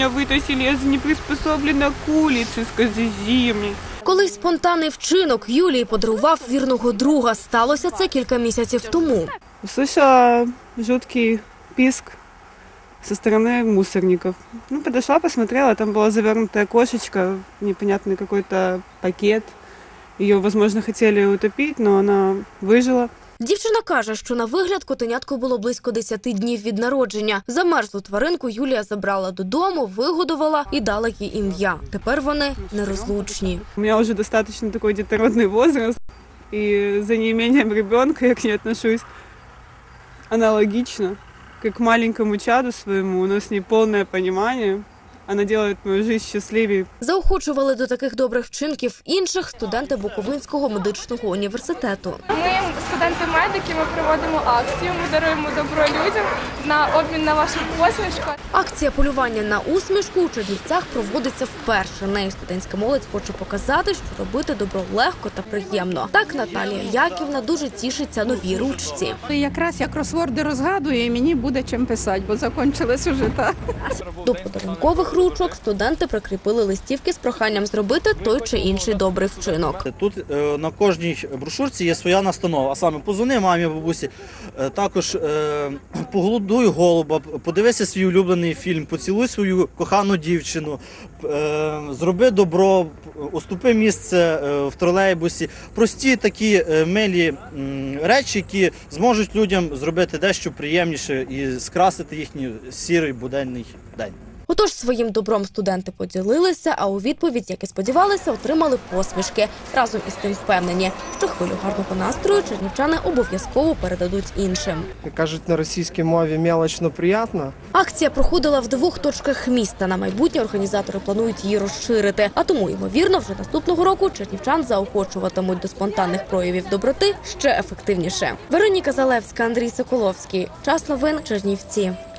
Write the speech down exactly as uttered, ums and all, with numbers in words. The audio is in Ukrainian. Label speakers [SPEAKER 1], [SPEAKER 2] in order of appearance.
[SPEAKER 1] меня вытащили, я же не приспособлена к улице, скажи мне.
[SPEAKER 2] Колись спонтанний вчинок Юлії подарував вірного друга. Сталося це кілька місяців тому.
[SPEAKER 1] Услышала жуткий писк со стороны мусорников. Ну, подошла, посмотрела, там была завернутая кошечка, непонятный какой-то пакет. Ее, возможно, хотели утопить, но она выжила.
[SPEAKER 2] Дівчина каже, що на вигляд котенятку було близько десяти днів від народження. Замерзлу тваринку Юлія забрала додому, вигодувала і дала їй ім'я. Тепер вони нерозлучні.
[SPEAKER 1] У меня уже достаточно такой детородный возраст, и за неимением ребенка я к ней отношусь аналогично, как к маленькому чаду своему. У нас с ней полное понимание. Вона робить мою життя щасливою.
[SPEAKER 2] Заохочували до таких добрих вчинків інших студенти Буковинського медичного університету.
[SPEAKER 3] Ми, студенти-медики, ми проводимо акцію, ми даруємо добро людям на обмін на вашу посмішку.
[SPEAKER 2] Акція полювання на усмішку у Чернівцях проводиться вперше. Нею студентська молодь хоче показати, що робити добро легко та приємно. Так Наталія Яківна дуже тішиться новій ручці.
[SPEAKER 4] Якраз я кросворди розгадую, і мені буде чим писати, бо закінчились уже так.
[SPEAKER 2] До подарункових ручок студенти прикріпили листівки з проханням зробити той чи інший добрий вчинок.
[SPEAKER 5] Тут е, на кожній брошурці є своя настанова, а саме позвони мамі, бабусі, е, також е, поголодуй голуба, подивися свій улюблений фільм, поцілуй свою кохану дівчину, е, зроби добро, уступи місце е, в тролейбусі. Прості такі е, милі м, речі, які зможуть людям зробити дещо приємніше і скрасити їхній сірий буденний день.
[SPEAKER 2] Отож, своїм добром студенти поділилися, а у відповідь, як і сподівалися, отримали посмішки. Разом із тим впевнені, що хвилю гарного настрою чернівчани обов'язково передадуть іншим.
[SPEAKER 6] Кажуть на російській мові «мелочно приємно».
[SPEAKER 2] Акція проходила в двох точках міста. На майбутнє організатори планують її розширити. А тому, ймовірно, вже наступного року чернівчан заохочуватимуть до спонтанних проявів доброти ще ефективніше. Вероніка Залевська, Андрій Соколовський. Час новин, Чернівці.